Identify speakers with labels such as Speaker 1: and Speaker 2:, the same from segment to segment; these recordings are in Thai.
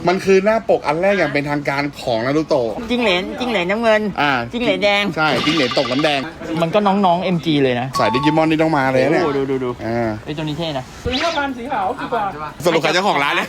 Speaker 1: มันคือหน้าปกอันแรกอย่างเป็นทางการของนารูโตะ
Speaker 2: จิ้งเหลนน้ำเงินจิ้งเหลนแดง
Speaker 1: ใช่จิ้งเหลนตกน้ำแดง
Speaker 2: มันก็น้องๆ MG เลยนะ
Speaker 1: สายดิจิมอนนี่ต้องมาเลยเนี่ย
Speaker 2: ดูไอ้ตัวนี้เท่นะ
Speaker 3: ตัวนี้5,000สีขาวดีกว่า
Speaker 1: สรุปใครเจ้าของร้านเนี่ย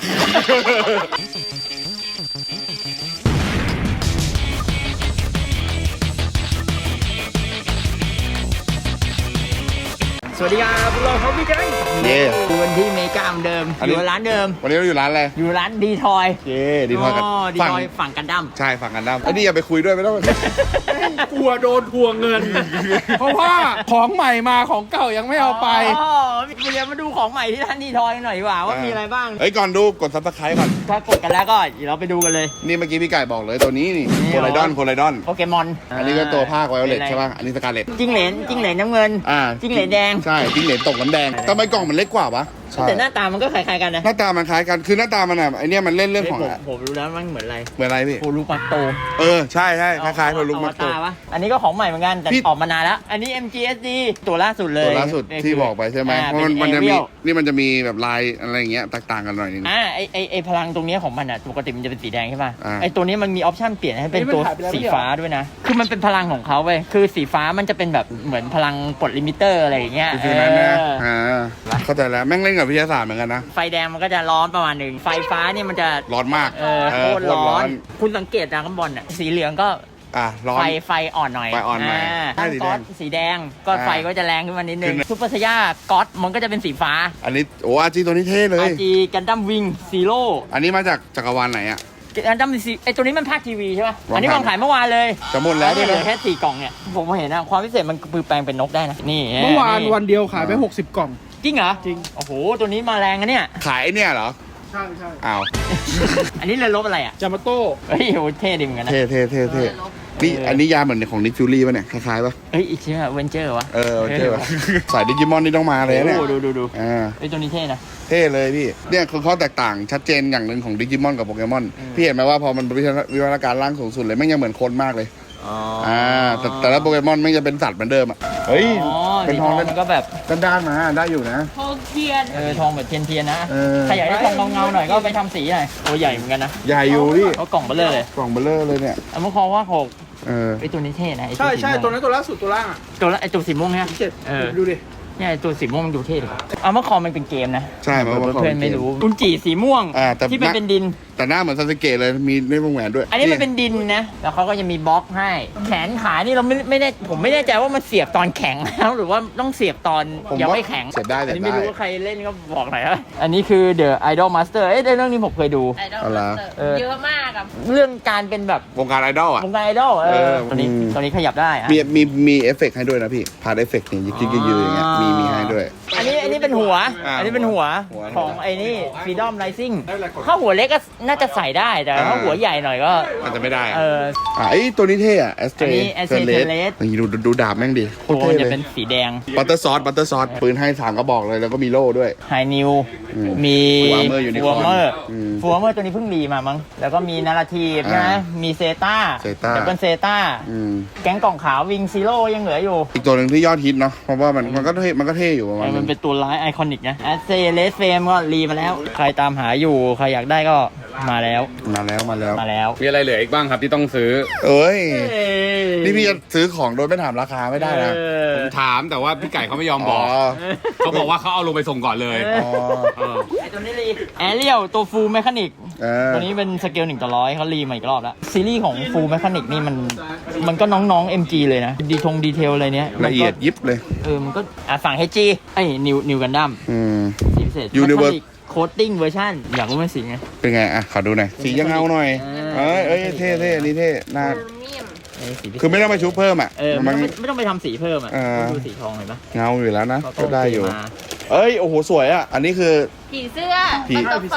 Speaker 2: สวัสดีครับพวกเราเขาพี่แก๊งวันที่เมกาเหมือนเดิมอยู่ร้านเดิม
Speaker 1: วันนี้เราอยู่ร้านอะไร
Speaker 2: อยู่ร้านดีทอย
Speaker 1: ดีทอยกัน
Speaker 2: ดีทอยฝั่งกันดั้ม
Speaker 1: ใช่ฝั่งกันดั้มไอ้นี่อย่าไปคุยด้วยไม่ต้อง
Speaker 3: กลัวโดนทวงเงินเพราะว่าของใหม่มาของเก่ายังไม่เอาไป
Speaker 2: เดี๋ยวมาดูของใหม่ที่ร้านดีทอยหน่อยดีกว่าว่ามีอะไรบ้าง
Speaker 1: เฮ้ยก่อนดูกดซับสไครต์ก่อน
Speaker 2: ถ้ากดกันแล้วก็เดี๋ยวเราไปดูกันเลย
Speaker 1: นี่เมื่อกี้พี่ไก่บอกเลยตัวนี้นี่โพไลดอนโ
Speaker 2: ปเกมอน
Speaker 1: อันนี้ก็ตัวภาคไวโอเลตใช่ป่ะอันนี้สกาเลต
Speaker 2: จิ้งเหลนน้ำเงินจิ้งเหลนแดง
Speaker 1: ใช่จิ้งเหลนตกน้ำแดงทำไมกล่องมันเล็กกว่าปะ
Speaker 2: แต่หน้าตามันก็คล้ายๆกันนะ
Speaker 1: หน้าตามันคล้ายกันคือหน้าตามันอ่ะไอเนี้ยมันเล่นเรื่องของ
Speaker 2: ผมรู้แล้วมันเหมือน
Speaker 1: อะไรพี่
Speaker 2: โพลูกมัตโต
Speaker 1: ใช่คล้ายๆโพลูกมัตโต
Speaker 2: อันนี้ก็ของใหม่เหมือนกันแต่ออกมานานแล้วอันนี้ MGSD ตัวล่าสุดเลย
Speaker 1: ตัวล่าสุดที่บอกไปใช่ไหมเพราะมันจะมีนี่มันจะมีแบบลายอะไรอย่างเงี้ยต่างกันหน่อยนึง
Speaker 2: ไอพลังตรงนี้ของมันอ่ะปกติมันจะเป็นสีแดงใช่ป่ะไอตัวนี้มันมีออปชั่นเปลี่ยนให้เป็นตัวสีฟ้าด้วยนะคือมันเป็นพลังของเขาเว้ยคือสีฟ้ามันจะเป็นแบบเหมือนพลังปลดลิมิเตอร์อะไรอย่างเงี้ย
Speaker 1: เข้าใจแล้วแม่งเล่นกับวิทยาศาสตร์เหมือนกันนะ
Speaker 2: ไฟแดงมันก็จะร้อนประมาณหนึ่งไฟฟ้าเนี่ยมันจะ
Speaker 1: ร้อนมาก
Speaker 2: โคตรร้อนคุณสังเกตนะข้างบนอ่ะสีเหลืองก็
Speaker 1: ร้อน
Speaker 2: ไฟอ่อนหน่อยก๊อตสีแดงก็ไฟก็จะแรงขึ้นมานิดนึงซุปเปอร์ไซย่าก๊อตมันก็จะเป็นสีฟ้า
Speaker 1: อันนี้อาจีตัวนี้เท่เลย
Speaker 2: อาจีกันดั้มวิงซีโร่
Speaker 1: อันนี้มาจากจักรวาลไหนอ่ะ
Speaker 2: กันดั้มไอตัวนี้มันภาคทีวีใช่ป่ะอันนี้วางขายเมื่อวานเลย
Speaker 1: จะหมดแล้ว
Speaker 2: เหลือแค่4 กล่องเนี่ยผมเห็นนะความพิเศษมันคือแปลงเป็นนกได้นะนี่
Speaker 3: เมื่อวานวันเดียวขายไป60 กล่อง
Speaker 2: จริงเหรอจริงโอ้โหตัวนี้มาแรงนะเนี่ย
Speaker 1: ขายเนี่ยเหรอ
Speaker 3: ใช่
Speaker 1: อ้าว
Speaker 2: อันนี้เรือรบอะไรอ่ะ
Speaker 3: จามาโต้
Speaker 2: เฮ้ยโหเท่ดิเหมือนกันนะ
Speaker 1: เท่นี่อันนี้ยาเหมือนของนิกฟิวรี่ป่ะเนี่ยคล้ายๆป่ะ
Speaker 2: อีกใช่ไหมเวนเจอร์วะ
Speaker 1: เวนเจอร์สายดิจิมอนนี่ต้องมาเลยเนี่ย
Speaker 2: ดูตัวนี้เท่นะ
Speaker 1: เท่เลยพี่เนี่ยคือข้อแตกต่างชัดเจนอย่างหนึ่งของดิจิมอนกับโปเกมอนพี่เห็นไหมว่าพอมันวิวัฒนาการร่างสูงสุดเลยไม่ยังเหมือนคนมากเลยแต่ละโปเกมอนไม่จะเป็นสัตว์เหมือนเดิมอ่ะเฮ้ย
Speaker 2: เป็นทองมันก็แบบ
Speaker 1: ด้านมาได้อยู่นะ
Speaker 2: ทองเทียนทองแบบเทียนนะใครอยากได้ทองเงาหน่อยก็ไปทำสีหน่อยตัวใหญ่เหมือนกันนะ
Speaker 1: ใหญ่อยู่พี่
Speaker 2: เขากล่องเบลเลอร์เลย
Speaker 1: กล่องเบลเลอร์เลยเนี่ย
Speaker 2: เมื่อคอว่า6ไอตัวนี้เท่นะ
Speaker 3: ใช่ตัวนั้นตัวล่าสุดตัวล่างอ่ะ
Speaker 2: ไอตัวสีม่วงเนี่ย
Speaker 3: ดูดิ
Speaker 2: เนี่ยตัวสีม่วงมันดูเท่เลยเมื่อคอมันเป็นเกมนะ
Speaker 1: ใช่เ
Speaker 2: พื่อนไม่รู้อุนจิสีม่วงที่เป็นดิน
Speaker 1: แต่หน้าเหมือนซาสึเกะเลยมีในวงแหวนด้วย
Speaker 2: อันนี้มันเป็นดินนะแล้วเขาก็จะมีบล็อกให้แขนขานี่เราไม่ได้ผมไม่แน่ใจว่ามันเสียบตอนแข็งแล้วหรือว่าต้องเสียบตอนยังไม่แข็ง
Speaker 1: เสียบได้
Speaker 2: แต่ไม่รู้ว่าใครเล่นก็บอกหน่อยนะอันนี้คือ The Idol Master เรื่องนี้ผมเคยดู
Speaker 4: เยอะมากอะ
Speaker 2: เรื่องการเป็นแบบ
Speaker 1: วงการไอดอล
Speaker 2: วงการไอดอลตอนนี้ขยับได้
Speaker 1: มีเอฟเฟกต์ให้ด้วยนะพี่พาร์ทเอฟเฟกต์นี่ยืดอย่างเงี้ยมีให้ด้วย
Speaker 2: อันนี้เป็นหัวอันนี้เป็นหัวของไอ้นี่ Freedom Rising ถ้าหัวเล็กก็น่าจะใส่ได้แต่ถ้าหัวใหญ่หน่อยก็
Speaker 1: อาจจะไม่ได้ไอ้ตัวนี้เท่อะแอสเตรเลสนี่ดูดาบแม่งดิ
Speaker 2: โคตรเท่เลยเป็นสีแดง
Speaker 1: บัตเตอร์ซอสปืนให้3 กระบอกเลยแล้วก็มีโล่ด้วย
Speaker 2: ไฮนิวมีฟัวเมอร์ตัวนี้เพิ่งรีมามั้งแล้วก็มีนาราทีฟนะมีเซต้าดับเบิลเซต้าแก๊งกล่องขาววิงซีโร่ยังเหลืออยู่
Speaker 1: อีกตัวหนึ่งที่ยอดฮิตเนาะเพราะว่ามันก็เท่อยู่ประมาณ
Speaker 2: มันเป็นตัวร้ายไอคอนิกนะแอสเซเลสเฟมก็รีมาแล้วใครตามหาอยู่ใครอยากได้ก็มาแล้ว
Speaker 1: มีอะไรเหลืออีกบ้างครับที่ต้องซื้อนี่พี่จะซื้อของโดยไม่ถามราคาไม่ได้นะ
Speaker 5: ผมถามแต่ว่าพี่ไก่เขาไม่ยอมบอกเขาบอกว่าเขาเอาลงไปส่งก่อนเลย
Speaker 2: ไอตัวนี้รีแอเรียลตัวฟูลแมคานิกตัวนี้เป็นสเกล1:100เขารีมาอีกรอบแล้วซีรีส์ของฟูลแมคานิกนี่มันก็น้องๆ MG เลยนะดีเทลอะไรเนี้ย
Speaker 1: ละเอียดยิบเลย
Speaker 2: มันก็ฝั่ง HG ไอ้นิวกันดั้มสีพิเศษโคตติ้งเวอร์ชันอยากรู้มันสีไง
Speaker 1: เป็นไงขอดูหน่อยสียังเงาหน่อยเท่อันนี้เท่น่าคือไม่ต้องไปชุบเพิ่ม
Speaker 2: ไม่ต้องไปทำสีเพิ่มดูสีทองเห็นปะ
Speaker 1: เงาอยู่แล้วนะก็ได้อยู่โอ้โหสวยอันนี้คือ
Speaker 4: ผีเสื้อผีเ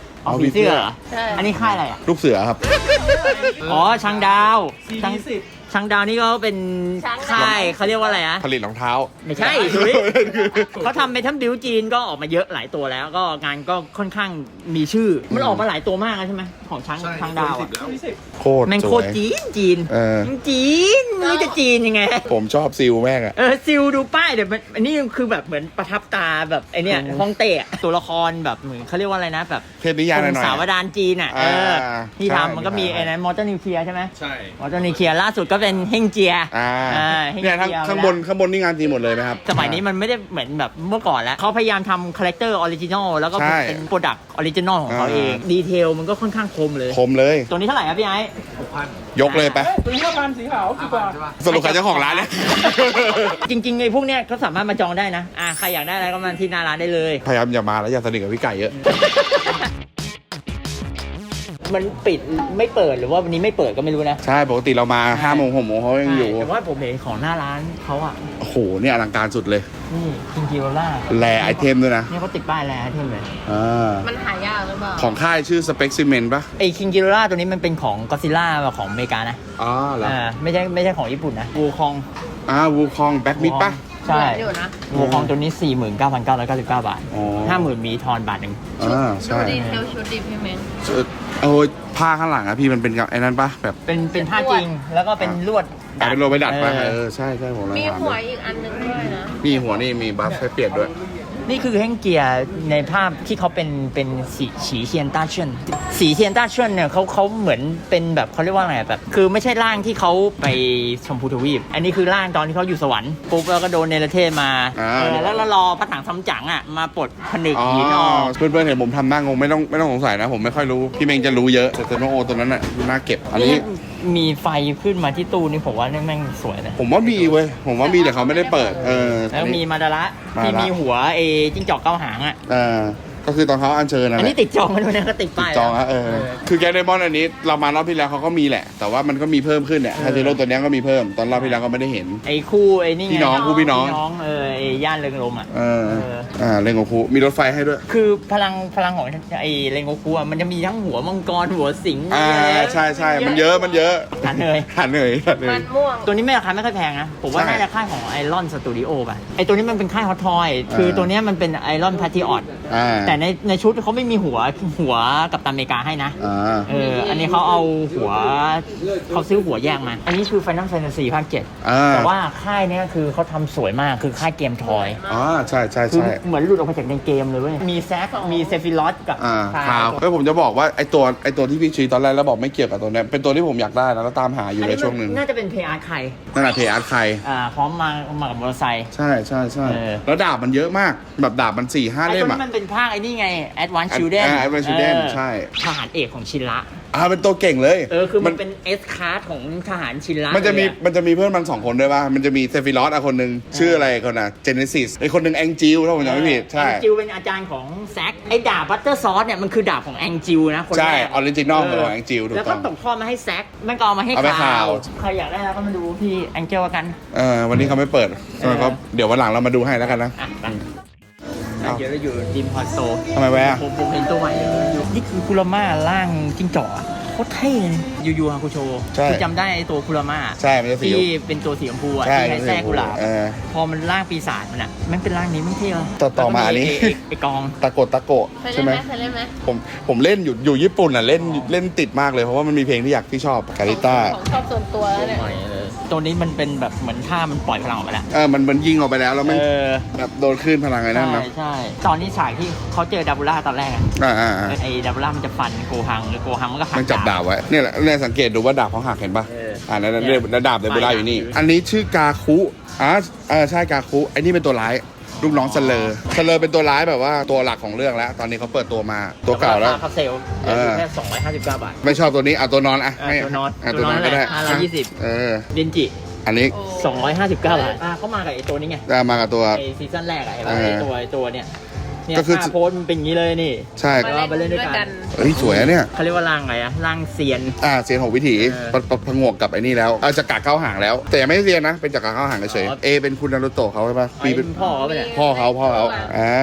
Speaker 2: สื้ออันนี้ค่ายอะไร
Speaker 1: ลูกเสือครับ
Speaker 2: ช่างดาวช้างดาวนี่ก็เป็นค่ายเขาเรียกว่าอะไรอะ
Speaker 1: ผลิตรองเท้า
Speaker 2: ไม่ใช่เขาทำเมทัลบิวจีนก็ออกมาเยอะหลายตัวแล้วก็งานก็ค่อนข้างมีชื่อมันออกมาหลายตัวมากแล้วใช่ไหมของช้างดาวอะ
Speaker 1: โคตร
Speaker 2: แม่ง
Speaker 1: ส
Speaker 2: โค
Speaker 1: ว
Speaker 2: ตร
Speaker 1: ย
Speaker 2: จีน
Speaker 1: เออ
Speaker 2: จีนไม่รู้จะจีนยังไง
Speaker 1: ผมชอบซิลแม่งอะ
Speaker 2: ซิลดูป้ายเดี๋ยวมันอันนี้คือแบบเหมือนประทับตาแบบไอเนี้ยฮ่องเต้อะตัวละครแบบเหมือนเขาเรียกว่าอะไรนะแบบ
Speaker 1: เทพนิยายหน่อยๆ
Speaker 2: สาวดานจีนอ่ะที่
Speaker 1: ใช่
Speaker 2: ทำมันก็มีไอ้นั้นมอเตอร์นิวเคลียร์ใช่ไหม
Speaker 5: ใช่
Speaker 2: มอเตอร์นิวเคลียร์ล่าสุดก็เป็นเฮงเจีย เฮง
Speaker 1: เนี่ยทั้ง
Speaker 2: เจีย
Speaker 1: ข้างบนนี่งานจีนหมดเลยไหมครับ
Speaker 2: สมัยนี้มันไม่ได้เหมือนแบบเมื่อก่อนแล้วเขาพยายามทำคาแรคเตอร์ออริจินอลแล้วก็
Speaker 1: ใช่
Speaker 2: เป็นโปรดักต์ออริจินอลของเขาเองดีเทลมันก็ค่อนข้างคมเลย
Speaker 1: คมเลย
Speaker 2: ตัวนี้เท่าไหร่ครับพี่ไอ้
Speaker 1: ยกเลยไป
Speaker 3: ตัวนี้5,000สีขาวดีกว่า
Speaker 1: สรุปใครเจ้าของร้านเนี่ย
Speaker 2: จริงๆไอ้พวกเนี้ยเขาสามารถมาจองได้นะใครอยากได้อะไรก็มาที่หน้าร้านได้เลย
Speaker 1: พยายามอย่ามาแล้วอย่าสนิทกับพี่ไก่เยอะ
Speaker 2: มันปิดไม่เปิดหรือว่าวันนี้ไม่เปิดก็ไม่รู้นะ
Speaker 1: ใช่ปกติเรามา5 โมง 6 โมงเขายังอยู่
Speaker 2: แต่ว่าผมเห็นของหน้าร้านเขาอ่ะ
Speaker 1: โอ้โหเนี่ยอลังการสุดเลย
Speaker 2: นี่คิงกิโรล่า
Speaker 1: แลไอเทมด้วยนะ
Speaker 2: นี่เขาติดป้ายแลไอเทมเลย
Speaker 4: มันหายากหรือเปล่า
Speaker 1: ของค่ายชื่อ Specimen ปะ
Speaker 2: ไอคิงกิโรล่าตัวนี้มันเป็นของก็ซิล่าของอเมริกานะ
Speaker 1: อ๋อเหรอ
Speaker 2: ไม่ใช่ของญี่ปุ่นนะวูคอง
Speaker 1: วูคองแบ็กมิดปะ
Speaker 2: ใช่
Speaker 4: อยู่นะ
Speaker 2: วูคองตัวนี้ 49,999 บาท
Speaker 1: อ๋อ
Speaker 2: 50,000 มีทอนบาทหนึ่ง
Speaker 1: ใช่
Speaker 4: ดูดีเทลชุดดีพี่เมน
Speaker 1: โอ้ยผ้าข้างหลังอะพี่มันเป็นกับไอ้นั้นปะแบบ
Speaker 2: เป็นผ้าจริงแล้วก็เป็นลวด
Speaker 1: เป็นโรไปดัดปะ
Speaker 2: เออ
Speaker 1: ใช่ผมเลย
Speaker 4: มี
Speaker 1: ถาม
Speaker 4: หัวอีกอันนึงด้วยนะ
Speaker 1: มีหัวนี่มีบัฟให้เปลี่ยนด้วย
Speaker 2: นี่คือเฮงเกียร์ในภาพที่เขาเป็นสีเทียนต้าเชินสีเทียนต้าเชินเนี่ยเขาเหมือนเป็นแบบเขาเรียกว่าไงแบบคือไม่ใช่ร่างที่เขาไปชมพูทวีปอันนี้คือร่างตอนที่เขาอยู่สวรรค์ปุ๊บแล้วก็โดนเนรเทศมาแล้วรอพระถังซัมจั๋งอ่ะมาปลดผนึกหินออก
Speaker 1: เพื่อนๆเห็นผมทำหน้างงไม่ต้องสงสัยนะผมไม่ค่อยรู้พี่เมงจะรู้เยอะแต่เซโนโอตัวนั้นอะน่าเก็บอันนี้
Speaker 2: มีไฟขึ้นมาที่ตู้นี่ผมว่าแม่งสวยนะ
Speaker 1: ผมว่ามีเว้ยผมว่ามีแต่เขาไม่ได้เปิด
Speaker 2: แล้วมีมาดาระที่มีหัวจิ้งจอกเก้าหางอ่ะ
Speaker 1: ก็คือตอนเขาอัญเชิญนะ
Speaker 2: อันนี้ติดจองมันด้วยนะก็ติดป้าย
Speaker 1: จองอะคือแกเดมอนอันนี้เรามารอบที่แล้วเขาก็มีแหละ แต่ว่ามันก็มีเพิ่มขึ้นเนี่ยฮาเซโร่ตัวนี้ก็มีเพิ่มตอนรอบที่แล้วก็ไม่ได้เห็น
Speaker 2: ไอ้คู่ไอ้นี่ไง
Speaker 1: พี่น้องคู่พี่น้อง
Speaker 2: ไอ้ย่านเริงรมอ่ะ
Speaker 1: เล่นกับครูมีรถไฟให้ด้วย
Speaker 2: คือพลังของไอ้เรนโกคุอ่ะมันจะมีทั้งหัวมังกรหัวสิงห์
Speaker 1: ใช่มันเยอะ
Speaker 2: หันเลย
Speaker 4: มันม่วง
Speaker 2: ตัวนี้ไม่ราคาไม่ค่อยแพงนะผมว่า
Speaker 1: ใช่
Speaker 2: น่าจะค่ายของไอรอนสตูดิโอป่ะไอตัวนี้มันเป็นค่ายฮอตทอยคือตัวนี้มันเป็นไอรอนพาร์ตี้ออดแต่ในชุดเขาไม่มีหัวกับตันอเมริกาให้นะอันนี้เขาเอาหัวเขาซื้อหัวแยกมาอันนี้คือ Final Fantasy ภาค 7แต่ว่าค่ายเนี้ยคือเขาทำสวยมากคือค่ายเกมทอย
Speaker 1: ใช่
Speaker 2: คือเหมือนหลุดออกมาจากในเกมเลยเว้ยมีแซคมีเซฟิลอสกับ
Speaker 1: ข่าวแล้วผมจะบอกว่าไอตัวที่พี่ชี้ตอนแรกแล้วบอกไม่เกี่ยวกับตัวนี้เป็นตัวที่ผมอยากได้นะแล้วตามหาอยู่ในช่วงหนึ่ง
Speaker 2: น่าจะเป็นเพย์อาร์ตใคร
Speaker 1: นั่นแหละเพย์อาร์ตใคร
Speaker 2: พร้อมมากับมอเตอร์ไซค์
Speaker 1: ใช่แล้วดาบมันเยอะมากแบบดาบมัน 4-5 เล่ม
Speaker 2: ไอ้ตัว
Speaker 1: อ่ะ
Speaker 2: นี้มันเป็นภาคไอ้นี่ไง Advanced Children
Speaker 1: Advanced Children ใช่
Speaker 2: ทหารเอกของชินระ
Speaker 1: เป็นตัวเก่งเลย
Speaker 2: คือมันเป็น S card ของทหารชินระ
Speaker 1: มันจะมีเพื่อนมัน2 คนด้วยป่ะมันจะมีเซฟิลอสคนหนึ่งชื่ออะไรคนน่ะเจเนซิสไอคนหนึ่งแองจิลถ้าผมจำไม่ผิดใช่
Speaker 2: แองจิลเป็นอาจารย์ของแซคไอ้ดาบบัตเตอร์ซอสเนี่ยมันคือดาบของแองจิลนะคนแรก
Speaker 1: ใช่ออริจินอลของแองจิลถูก
Speaker 2: แล้ว
Speaker 1: ต้
Speaker 2: ก็
Speaker 1: อง
Speaker 2: ตกทอดมาให้แซคมันก็เอามาให้
Speaker 1: เอาไปข่าว
Speaker 2: ใครอยากได้แล้วก็มาดูที่แองเจิลกัน
Speaker 1: วันนี้เขาไม่เปิดก็เดี๋ยววันหลังเรามาดูให้แล้วกันนะ
Speaker 2: เดี๋ยวเราอยู่ดิมพอร์ตโต
Speaker 1: ทำไมแวะ
Speaker 2: ผมเห็นตัวใหม่อยู่นี่คือคุราม่าร่างจิ้งจอกโคตรเท่เลยยูฮาคุโชคือจำได้ไอ้ตัวคุราม่า
Speaker 1: ใช่มันจะสี
Speaker 2: ที่เป็นตัวสีชมพูอ่ะที่ใช้แทรกกุหลาบพอมันร่างปีศาจมันอ่ะมันเป็นร่างนี้มันเท่เลย
Speaker 1: ต่อมาอันนี้
Speaker 2: ไอ้กอง
Speaker 1: ตะโกะ
Speaker 4: เคย
Speaker 1: ใช่
Speaker 4: เล่น
Speaker 1: ไห
Speaker 4: ไห
Speaker 1: ม
Speaker 4: มเคยเล่นไหม
Speaker 1: ผมเล่นอยู่ญี่ปุ่นอ่ะเล่นติดมากเลยเพราะว่ามันมีเพลงที่ชอบกาลิต้า
Speaker 4: ของชอบส่วนตัวแล้วเนี่ย
Speaker 2: ตัวนี้มันเป็นแบบเหมือนท่ามันปล่อยพลังออกไปแล้ว
Speaker 1: มันยิงออกไปแล้วมันแบบโดนคลื่นพลังไอ้นั่นเนาะ
Speaker 2: ใช่ตอนนี้ฉากที่เขาเจอดับบูล่าตอนแรกอะไอ้ดับบูล่ามันจะฟันโกฮังหรือโกฮังมันก็หัก
Speaker 1: มันจับดาบไว้เนี่ยแหละสังเกตดูว่าดาบเขาหักเห็นปะนั่นดาบเดบูล่าอยู่นี่อันนี้ชื่อกาคุใช่กาคุไอ้นี่เป็นตัวร้ายลูกน้องเซเลอร์เป็นตัวร้ายแบบว่าตัวหลักของเรื่องแล้วตอนนี้เขาเปิดตัวมาตัวเก่าแล้ว
Speaker 2: คาเซลแค่259 บาท
Speaker 1: ไม่ชอบตัวนี้ตัวนอนตัวนอนก็ได้
Speaker 2: 520เดนจิ
Speaker 1: อันนี้
Speaker 2: 259 บาทเขามากับไอ้ตัวนี้ไง
Speaker 1: มากับตัว
Speaker 2: ไอ้ซีซั่นแรกอะไอ้ตัวเนี่ย
Speaker 1: ก็คือ
Speaker 2: โพสมันเป็นอย่างนี้เลยนี่
Speaker 1: ใช่
Speaker 2: ก็ไปเล่นด้วยกัน
Speaker 1: สวยอะเนี่ย
Speaker 2: เขาเรียกว่าร่างอะไรอะร่างเซียน
Speaker 1: เซียน6 วิถีผงกกับไอ้นี่แล้วจักรเข้าห่างแล้ว แต่ยังไม่เซียนนะเป็นจักรเข้าห่างเฉยเป็นคุณนารุโตะเขาใช่ปะ
Speaker 2: เป็นพ่อเขาไปเนี่ย
Speaker 1: พ่อเขา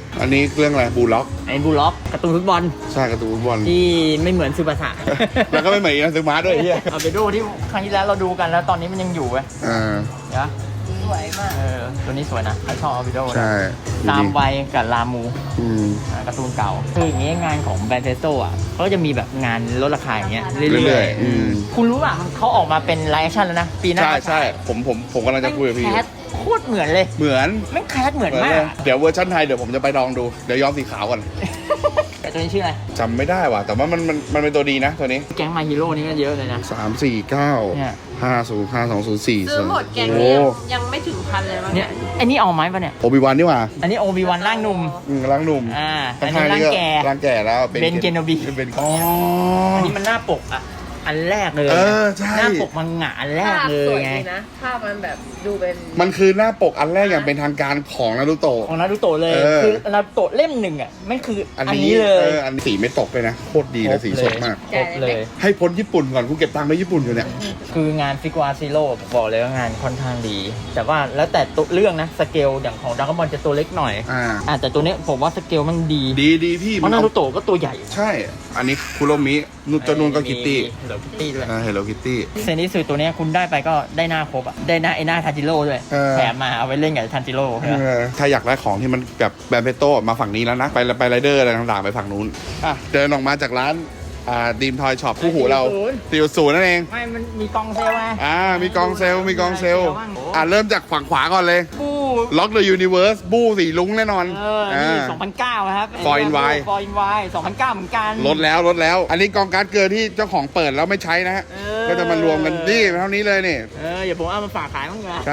Speaker 1: อันนี้เรื่องอะไรบูล็อก
Speaker 2: ไอ้บูล็อกการ์ตูนฟุตบอล
Speaker 1: ใช่การ์ตูนฟุตบอล
Speaker 2: ที่ไม่เหมือนซูบาสะ
Speaker 1: แล้วก็ไม่เหมือนอีนาซึมะด้วยไอ้เฮีย
Speaker 2: เอาไปดูที่ครั้งที่แล้วเราดูกันแล้วตอนนี้มันยังอยู่เว้ย
Speaker 1: อ่า
Speaker 2: นะ
Speaker 4: สวยมาก
Speaker 2: ตัวนี้สวยนะใครชอบเอาไปดู
Speaker 1: ใช่
Speaker 2: ตามวัยกับลามู
Speaker 1: อืม
Speaker 2: การ์ตูนเก่าคืออย่างงี้งานของแบรนด์เทสโต้อ่ะเขาจะมีแบบงานลดราคาอย่างเงี้ยเรื่
Speaker 1: เรื่
Speaker 2: อ
Speaker 1: อย ย
Speaker 2: ๆ
Speaker 1: ๆอืม
Speaker 2: คุณรู้ป่ะเขาออกมาเป็นไลฟ์แอคชั่นแล้วนะ ปีหน้า
Speaker 1: ใช่ใช่ผมกำลังจะคุยกับพี่อ
Speaker 2: แค
Speaker 1: ยู่
Speaker 2: สโคตรเหมือนเลย
Speaker 1: เหมือน
Speaker 2: แม่งแคสเหมือนมาก
Speaker 1: เดี๋ยวเวอร์ชันไทยเดี๋ยวผมจะไปลองดู เดี๋ยวย้อมสีขาวก่อน
Speaker 2: แต่ตัวนี้ชื่ออะไร
Speaker 1: จำไม่ได้ว่ะ แต่ว่ามันเป็นตัวดีนะตัวนี้
Speaker 2: แก๊งมาฮีโร่นี่ก็เยอะเลยนะ
Speaker 1: 3 4 9
Speaker 2: เนี่ย
Speaker 1: 5 0 5 2 0 4
Speaker 4: ซื้อหมดแกง
Speaker 1: โอ้
Speaker 4: นี้ยังไม่ถึงพันเลยมั้ง
Speaker 2: เนี่ยไอ้นี่เอาไหมปะเนี่ย
Speaker 1: โอบิวันนี่หว่า
Speaker 2: อันนี้โอบีวันร่างหนุ่ม
Speaker 1: ร่างหนุ่ม
Speaker 2: อันนี้ร่างแก่
Speaker 1: ร่างแก่แล้ว
Speaker 2: เบนเกโนบิ
Speaker 1: เป็น
Speaker 2: อันนี้มันหน้าปกอ่ะ อันแรกเลย
Speaker 1: เอ
Speaker 2: นะ
Speaker 1: อใช่
Speaker 2: หน้าปกมังงะอันแรก
Speaker 4: ภาพ
Speaker 2: เล
Speaker 4: ส
Speaker 2: ย
Speaker 4: วย
Speaker 2: ไง
Speaker 4: ดีนะภาพมันแบบดูเป็น
Speaker 1: มันคือหน้าปกอันแรกอย่างเป็นทางการของนารูโตะ
Speaker 2: ของนารูโตะเลย
Speaker 1: เออ
Speaker 2: คือนารูโตะเล่มหนึ่งอ่ะไม่คืออันนี้เลย
Speaker 1: อันสีไม่ตกเลยนะ โคตรดีเลยสีสดมาก
Speaker 2: ครบเลย
Speaker 1: ให้พ้นญี่ปุ่นก่อนกูเก็บตังค์ไปญี่ปุ่นอยู่เนี่ย
Speaker 2: คืองานฟิกวาซิโร่บอกเลยว่างานค่อนข้างดี แต่ว่าแล้วแต่ตัวเรื่องนะสเกลอย่างของดราก้อนบอลจะตัวเล็กหน่อย แต่ตัวเนี้ยผมว่าสเกลมันดี
Speaker 1: ดีพี่
Speaker 2: เพราะนารูโตะก็ตัวใหญ่
Speaker 1: ใช่ อันนี้คุโรมินุจนูนก็คิตตี้
Speaker 2: เหลือคิตตี้ด้วย
Speaker 1: เฮลโลคิตตี้
Speaker 2: เซนิสึตัวเนี้ยคุณได้ไปก็ได้หน้าครบอ่ะได้หน้าไอ้หน้าทันจิโร่ด้วย
Speaker 1: เออ
Speaker 2: แถมมาเอาไว้เล่นกับทันจิโร่ใช่ไหม
Speaker 1: ถ้าอยากได้ของที่มันแบบแบรนด์เพโต้มาฝั่งนี้แล้วนะ ไปไรเดอร์อะไรต่างๆ ไปฝั่งนู้นเดินออกมาจากร้านดีมทอยช็อปคู่หูเรา40นั่นเอง
Speaker 2: ไม่มันมีกองเซลล์ไง
Speaker 1: มีกองเซลเริ่มจากฝั่งขวาก่อนเลย
Speaker 2: บู
Speaker 1: ล็อกเดอะยูนิเวิร์สบูสีลุ้งแน่นอน
Speaker 2: นี่2009ครับ
Speaker 1: For in Y
Speaker 2: ฟอร์อินวาย2009เหมือนกัน
Speaker 1: ลดแล้ว อันนี้กองการ์ดเกินที่เจ้าของเปิดแล้วไม่ใช้นะฮะ ก็จะมารวมกันนี่เท่านี้เลยนี่
Speaker 2: อย่าผมเอามาฝากขายมั้งนะ
Speaker 1: ใช่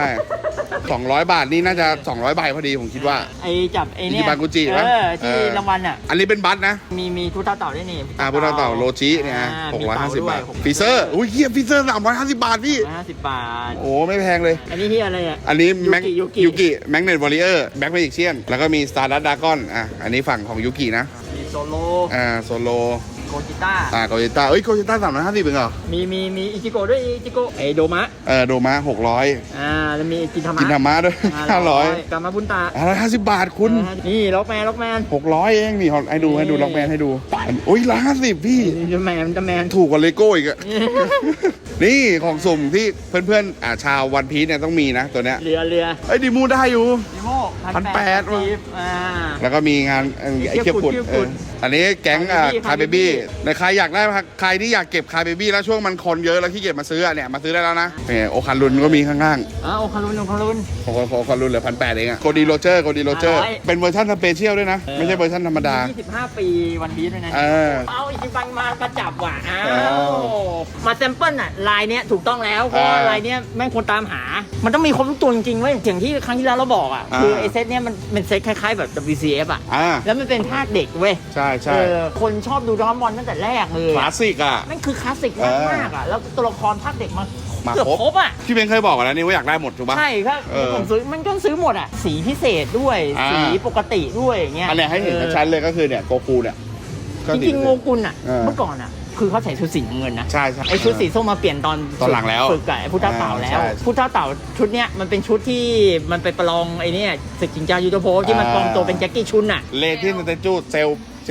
Speaker 1: 200 บาทนี่น่าจะ 200 ใบพอดีผมคิดว่า
Speaker 2: ไอ้จับไอ้เนี่ย
Speaker 1: อิจิบังกุจิปะ
Speaker 2: ที่รางวัลอ่ะ
Speaker 1: อันนี้เป็นบัตรนะ
Speaker 2: มีทุเต่าด้วยนี่
Speaker 1: พุทธเต่าโลจิเนี่ย
Speaker 2: มีเต่า
Speaker 1: 650
Speaker 2: ด้วย
Speaker 1: บาทฟีเซอร์อุ้ยเฮียฟีเซอร์350 บาทพี่
Speaker 2: 150 บาท
Speaker 1: โอ้ไม่แพงเลย
Speaker 2: อันนี้ที่อะไรอ่ะ
Speaker 1: อันนี้แม็ก
Speaker 2: ยูกิ
Speaker 1: ยูกิแม็กเนตวอริเออร์แบ็คเมจิกเชียนแล้วก็มีสตาร์ดัตดากอนอันนี้ฝั่งของยูกินะ
Speaker 2: มีโซโล
Speaker 1: โซโล
Speaker 2: โกจิต้า
Speaker 1: โกจิต้าโกจิต้า350เป็นเหรอ
Speaker 2: มีอิจิโกะด้วยอิจิโกะไอโดมะ
Speaker 1: โดมา600
Speaker 2: แล้วมีกินธรรมะ
Speaker 1: กินธรรมะด้วย500
Speaker 2: กามาบุนตา
Speaker 1: 150 บาทคุณ
Speaker 2: นี่ล็อกแมน
Speaker 1: 600เองนี่ให้ดูล็อกแมนให้ดูโอ้ย150พี่
Speaker 2: จะแมน
Speaker 1: ถูกกว่าเลโก้อีกอะ นี่ของสุ่มที่เพื่อนๆชาววันพีซเนี่ยต้องมีนะตัวเนี้ย
Speaker 2: เรือ
Speaker 1: ไอ้ยดีมูได้อยู่
Speaker 2: ดิโม
Speaker 1: 1,800
Speaker 2: ว่ะ
Speaker 1: แล้วก็มีงานไอ้เคียบกุด
Speaker 2: เคียบกุด
Speaker 1: อันนี้แก๊งคา
Speaker 2: Cry
Speaker 1: เบบี้
Speaker 2: Baby
Speaker 1: ในใครอยากได้ใครที่อยากเก็บคาเบบี้แล้วช่วงมันคนเยอะแล้วขี้เกียจมาซื้อเนี่ยมาซื้อได้แล้วนะโอคันรุนก็มีข้างๆ
Speaker 2: โอคารุน
Speaker 1: โอคันรุนเหลือ1,800เองอะโกดีโรเจอร์
Speaker 2: 500
Speaker 1: เป็นเวอร์ชันสเปเชียลด้วยนะ ไม่ใช่เวอร์ชันธรรมดา
Speaker 2: 25 ปีวันพีชด้วยนะ เอาอิจิบังมาประจับว่ะมาแซมเปิลอ่ะลายเนี้ยถูกต้องแล้วเพราะว่าลายเนี้ยแม่งควรตามหา มันต้องมีครบทุกตัวจริงๆเว้ยอย่างที่ครั้งที่แล้วเราบอกอ่ะคือไอเซตเนี้ยมันเป็นเซตคล้ายๆแบบ WCF อ่ะแล้วมันเป็นภาคเด็กเว้ย
Speaker 1: ใช่
Speaker 2: คนชอบดูดราก้อนบอลตั้งแต่แรกเลย
Speaker 1: คลาสสิกอ่ะ
Speaker 2: แม่งคือคลาสสิกมากๆอ่ะแล้วตัวละครภาคเด็กมา
Speaker 1: มา
Speaker 2: เกือบ
Speaker 1: ครบ
Speaker 2: ครบอ่ะ
Speaker 1: พี่เบนเคยบอกแล้วนี่ว่าอยากได้หมดถูกปะ
Speaker 2: ใช่ครับผมซื้อมันก็ซื้อหมดอ่ะสีพิเศษด้วยสีปกติด้วยอย่างเงี้ย
Speaker 1: อันเนี้ยให้เห็นชัดๆเลยก็คือเนี่ยโกคูเนี่ยก็
Speaker 2: จริงๆโงกุลอ่ะ
Speaker 1: เมื่
Speaker 2: เมื่อก่อนอ่ะคือเขาใส่ชุดสีน้ำเงินนะ
Speaker 1: ใช่
Speaker 2: ไอชุดสีส้มมาเปลี่ยนตอน
Speaker 1: หลังแล้ว
Speaker 2: ฝึกกับไอพุทธเต่าแล้ว
Speaker 1: ใช่
Speaker 2: พุทธเต่าชุดเนี้ยมันเป็นชุดที่มันไปประลองไอเนี่ยศึกจิงจายูโตโพที่มันปลอมตัวเป็นแจ็คกี้ชุนอ่ะ
Speaker 1: เลทินสเตจูเซล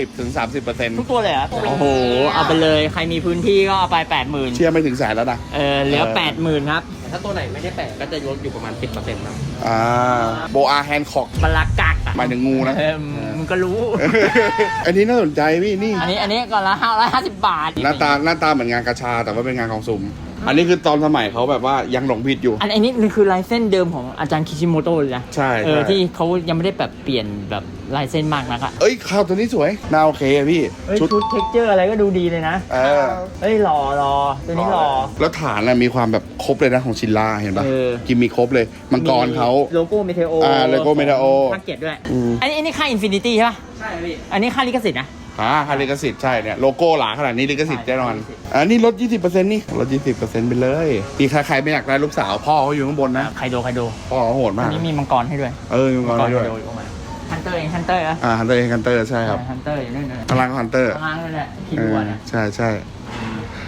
Speaker 1: 10-30%
Speaker 2: ทุกตัวเลยเหรอโอ้โหเอาไปเลยใครมีพื้นที่ก็เอาไป 80,000
Speaker 1: เชื่อไม่ถึงแสนแล้วนะ
Speaker 2: เหลือ 80,000 ครับ
Speaker 5: ถ้าตัวไหนไม่ได้แปะก็จะลดอยู่ประมาณ 10%ครับ
Speaker 1: โบอาแฮนค็อก
Speaker 2: บลากักอ่ะ
Speaker 1: หมายถึงงูนะ
Speaker 2: มึงก็รู้
Speaker 1: อันนี้น่าสนใจพี่นี่
Speaker 2: อันนี้ก่อนละ550 บาท
Speaker 1: หน้าตาเหมือนงานกระชาแต่ว่าเป็นงานของสุ่มอันนี้คือตอนสมัยเขาแบบว่ายังหลงผิดอยู่
Speaker 2: อันนี้คือลายเส้นเดิมของอาจารย์คิชิโมโตะเลยนะ
Speaker 1: ใช่
Speaker 2: ที่เขายังไม่ได้แบบเปลี่ยนแบบลายเส้นมากนักอะ
Speaker 1: เอ้ยข้าวตัวนี้สวยน่าโอเคอะพี่
Speaker 2: ชุดเท็กเจอร์อะไรก็ดูดีเลยนะหล่อตัวนี้หล่อ
Speaker 1: แล้วฐานมีความแบบครบเลยนะของชินล่าเห็นปะกิมมีครบเลยมังกรเขา
Speaker 2: โลโก้เมเทโอ
Speaker 1: โลโก้เมเทโอ
Speaker 2: ภาค7ด้วยอันนี้ค่าอินฟินิตี้ใช่ปะใช่พี่อันนี้ค่าลิขสิทธิ์นะ
Speaker 1: ค่าลิขสิทธิ์ใช่เนี่ยโลโก้หลาขนาดนี้ลิขสิทธิ์แน่นอนอันนี้ลด 20% นี่ลด 20% ไปเลยพี่ใครไม่อยากได้ลูกสาวพ่อเขาอยู่ข้างบนนะ
Speaker 2: ใครโด
Speaker 1: พ่อเขาโหดมาก
Speaker 2: อันนี้มีมังกรให้ด้วย
Speaker 1: มีมังกรให้ด้วย
Speaker 2: ฮันเตอร์ฮันเตอร์อะ
Speaker 1: ฮันเตอร์ใช่ครับ
Speaker 2: ฮันเตอร์อยู่นู่นเลย
Speaker 1: พลังฮันเตอร์
Speaker 2: พลังเลยแหละคิดว่าเนี่ย
Speaker 1: ใช่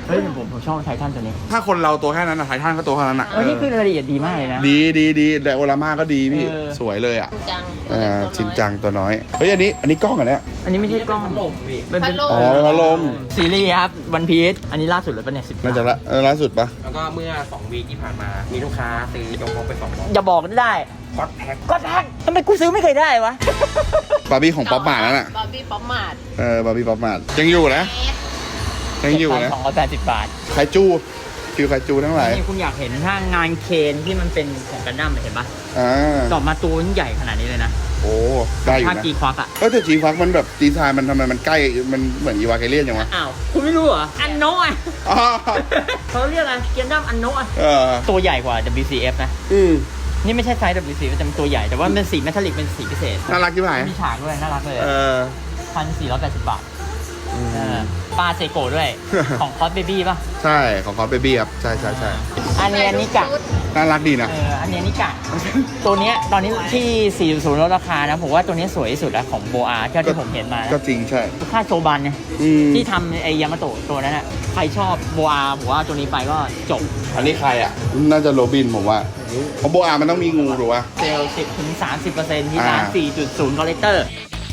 Speaker 2: เฮ้ยผมชอบไททันตัวนี้
Speaker 1: ถ้าคนเราตัวแค่นั้นอะไททันก็ตัวแค่นั้นอะ
Speaker 2: นี่คือรายละเอียดดีมากเลยนะ
Speaker 1: ดีแต่โอรามาก็ดีพี่
Speaker 2: เออ
Speaker 1: สวยเลยอ่ะ
Speaker 4: จัง
Speaker 1: ชินจังตัวน้อยเฮ้ยอันนี้กล้องอันเนี้ย
Speaker 2: อันนี้ไม่ใช่กล้องมันเป็น
Speaker 1: อ๋อพัดลม
Speaker 2: ซีรีส์ครับวันพีชอันนี้ล่าสุดเลยปะเนี่ย10
Speaker 1: น่าจะล่าสุดปะ
Speaker 6: แล้วก็เมื่อ2 วีคที่ผ่านมา มีลูกค้าซื้อยกพกไป2 บล็อก
Speaker 2: อย่าบอกได้
Speaker 6: คอตแพ็ค
Speaker 2: ก็แท็กทำไมกูซื้อไม่เคยได้วะ
Speaker 1: บาร์บี้ของป๊อปมาร์ทนั่นน่ะ
Speaker 4: บาร์บี้ป๊อปมาร์ท
Speaker 1: บาร์บี้ป๊อปมาร์ทยังอยู่นะยังอยู่นะ
Speaker 2: 280 บาท
Speaker 1: ไคจูฟิวไคจูทั้งหลาย
Speaker 2: นี่คุณอยากเห็นถ้างานเคนที่มันเป็นของกันดั้มเห็นปะ
Speaker 1: อ่า
Speaker 2: ดอกมาตัวใหญ่ขนาดนี้เลยนะ
Speaker 1: โอ้ได้อยู่
Speaker 2: ภาค
Speaker 1: นะ
Speaker 2: กีควักอะ
Speaker 1: ก็แต่จีฟักมันแบบดีไซน์มันทำไมมันใกล้มันเหมือนอีวาเกเลียนยังวะ
Speaker 2: อ้าวคุณไม่รู้เหรออันโนะอะ
Speaker 1: อ๋อ
Speaker 2: เขาเรียกอะไรกันดั้มอันโนะอะ
Speaker 1: เออ
Speaker 2: ตัวใหญ่กว่า WCF นะ
Speaker 1: อืม
Speaker 2: นี่ไม่ใช่ไซส์ WCF แต่เป็นตัวใหญ่แต่ว่าเป็นสีเมทัลลิกเป็นสีพิเศษ
Speaker 1: น่ารักที่ไหน
Speaker 2: มีฉากด้วยน่ารักเลย
Speaker 1: เออ
Speaker 2: 1,480 บาทปลาเซโกะด้วย ของคอสเบบี้ป่ะ
Speaker 1: ใช่ของคอสเบบี้ครับใช่
Speaker 2: อันนี้กะ
Speaker 1: น่ารักดีนะ
Speaker 2: อันนี้นิกะ ตัวเนี้ยตอนนี้ที่ 400ลดราคานะ ผมว่าตัวนี้สวยที่สุดแล้วของโบอาเท่าที่ผมเห็นมานะ
Speaker 1: ก็จริงใช่
Speaker 2: ค่าโซบันเนี่ย
Speaker 1: อืม
Speaker 2: ที่ทำไอยามาโตะตัวนั้นอ่ะใครชอบโบอาผมว่าตัวนี้ไปก็จบ
Speaker 1: อันนี้ใครอ่ะ น่าจะโรบินผมว่าเพราะโบอามันต้องมีงูหรือวะ
Speaker 2: เซลล์ 10-30% ที่ร้าน
Speaker 1: อ่า
Speaker 2: 4.0 คอลเลกเตอร์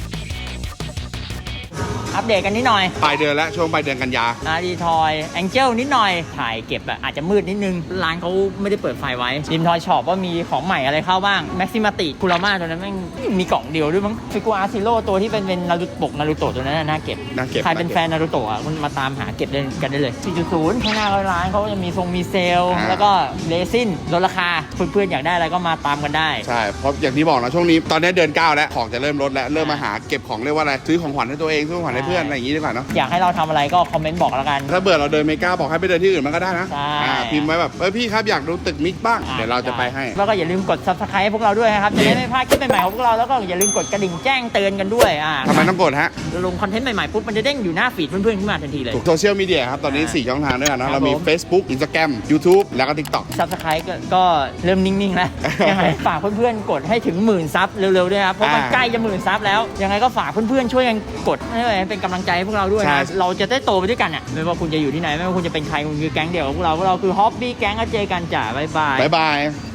Speaker 2: อัปเดตกันนิดหน่อย
Speaker 1: ปลายเดือนแล้วช่วงปลายเดือนกันยา
Speaker 2: อารีทอยแองเจิลนิดหน่อย ถ่ายเก็บแบบอาจจะมืดนิดนึง ร้านเขาไม่ได้เปิดไฟไว้ริมทอยช็อปว่ามีของใหม่อะไรเข้าบ้างแม็กซิมาติคูราม่าตัวนั้นแม่งมีกล่องเดียวด้วยมั้งฟิกูอาร์ซิโร่ตัวที่เป็นนารูปกนารูโตะตัวนั้นน่าเก็บ
Speaker 1: น่าเก็บ
Speaker 2: ใครเป็นแฟนนารูโตะอ่ะคุณมาตามหาเก็บกันได้เลย 4.0 ข้างหน้าร้านเขาจะมีมีเซลล์
Speaker 1: อ่า
Speaker 2: แล้วก็เรซินลดราคาเพื่อนๆอยากได้อะไรก็มาตามกันได้
Speaker 1: ใช่ เพราะอย่างที่บอกนะช่วงนี้ตอนนี้เดือน9แล้วของจะเริ่มลดแล้วเริ่มมาหาเก็บของเรียกว่าอะไรซื้อของขวัญให้ตัวเองซื้อของขวัญให้เพื่อนอะไรอย่างงี้ดีกว่าเนาะ
Speaker 2: อยากให้เราทำอะไรก็คอมเมนต์บอกแล้วกัน
Speaker 1: ถ้าเบื่อเราเดินเมกาบอกให้ไปเดินที่อื่นมันก็ได้นะ
Speaker 2: ใช่
Speaker 1: พิมพ์ไว้แบบพี่ครับอยากดูตึกมิกบ้างเดี๋ยวเราจะไปให้
Speaker 2: แล้วก็อย่าลืมกด subscribe ให้พวกเราด้วยนะครับ จะได้ไม่พลาดคลิปใหม่ๆของพวกเรา แล้วก็อย่าลืมกดกระดิ่งแจ้งเตือนกันด้วย
Speaker 1: ทำไมต้องกดฮะ
Speaker 2: ลงคอนเทนต์ใหม่ๆปุ๊บมันจะเด้งอยู่หน้าฟีดเพื่อนๆขึ้นมาทันทีเลย
Speaker 1: โซเชียลมีเดียครับ ตอนนี้ 4 ช่องทางด้วยกัน
Speaker 2: ครั
Speaker 1: นะ
Speaker 2: บ
Speaker 1: เรามี
Speaker 2: ผม
Speaker 1: Facebook Instagram YouTube แล้วก็ TikTok
Speaker 2: subscribe ก็เริ่มนิ่งๆแล้ว ยังไงฝากเพื่อนๆกดให้ถึง10,000 ซับเร็วๆด้วยครับ เพราะมันใกล้จะ10,000 ซับแล้ว ยังไงก็ฝากเพื่อนๆช่วยกันกดให้เป็นกำลังใจให้พวกเราด้วย
Speaker 1: ใช่
Speaker 2: นะเราจะได้โตไปด้วยกันอ่ะไม่ว่าคุณจะอยู่ที่ไหนไม่ว่าคุณจะเป็นใครคุณคือแก๊งเดียวกับพวกเราคือฮอปปี้แก๊งก็เจอกันจ้ะบ๊ายบาย
Speaker 1: บ๊ายบาย